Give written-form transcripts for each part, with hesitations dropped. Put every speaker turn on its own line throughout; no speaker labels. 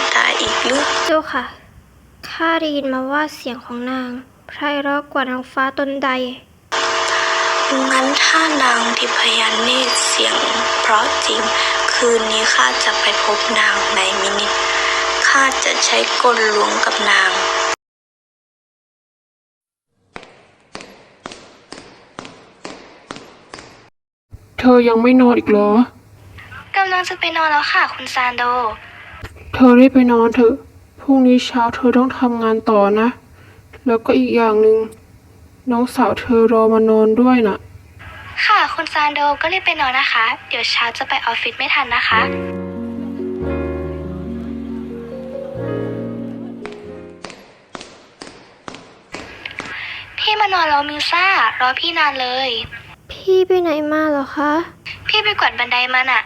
ตาอีกหรือ
เจ้าค่ะข้าได้ยินมาว่าเสียงของนางไพเราะกว่านางฟ้าตนใด
งั้นถ้านางทิพยเนตรเสียงเพราะจริงคืนนี้ข้าจะไปพบนางในมินิข้าจะใช้กลลวงกับนาง
เธอยังไม่นอนอีกเหร
อกำลังจะไปนอนแล้วค่ะคุณซานโด
เธอรีบไปนอนเถอะพรุ่งนี้เช้าเธอต้องทำงานต่อนะแล้วก็อีกอย่างหนึ่งน้องสาวเธอรอมานอนด้วยน่ะ
ค่ะคุณซานโดก็รีบไปนอนนะคะเดี๋ยวเช้าจะไปออฟฟิศไม่ทันนะคะพี่มานอนแล้วมิวซ่ารอพี่นานเลยพี่ไปไหนมาเหรอคะพี่ไปกวาดบันไดมาน่ะ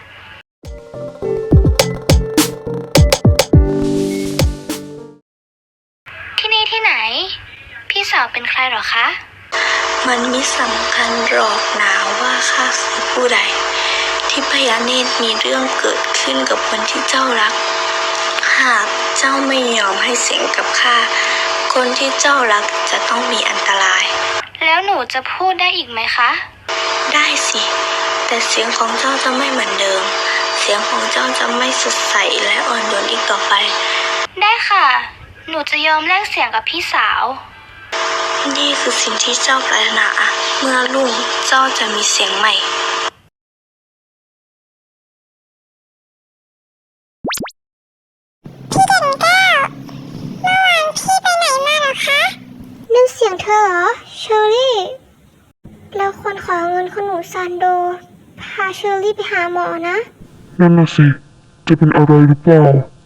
ที่นี่ที่ไหนพี่สาวเป็นใครหรอคะ
มันมิสำคัญหรอกนะว่าข้าคือผู้ใดทิพยเนตรมีเรื่องเกิดขึ้นกับคนที่เจ้ารักหากเจ้าไม่ยอมให้เสียงกับข้าคนที่เจ้ารักจะต้องมีอันตราย
แล้วหนูจะพูดได้อีกไหมคะ
ได้สิแต่เสียงของเจ้าจะไม่เหมือนเดิมเสียงของเจ้าจะไม่สดใสและอ่อนโยนอีกต่อไป
ได้ค่ะหนูจะยอมแลกเสียงกับพี่สาว
นี่คือสิ่งที่เจ้าปรารถนาเมื่อรุ่งเจ้าจะมีเสียงใหม่
พี่เด่นแก้วเมื่อวานพี่ไปไหนมาเหรอคะนั่นเสียงเธอเหรอเชอรี่เราควรขอเงินคุณหนูซานโดพาเชอรี่ไปหาหมอนะ
นั่นน่ะสิจะเป็นอะไรหรือเปล่า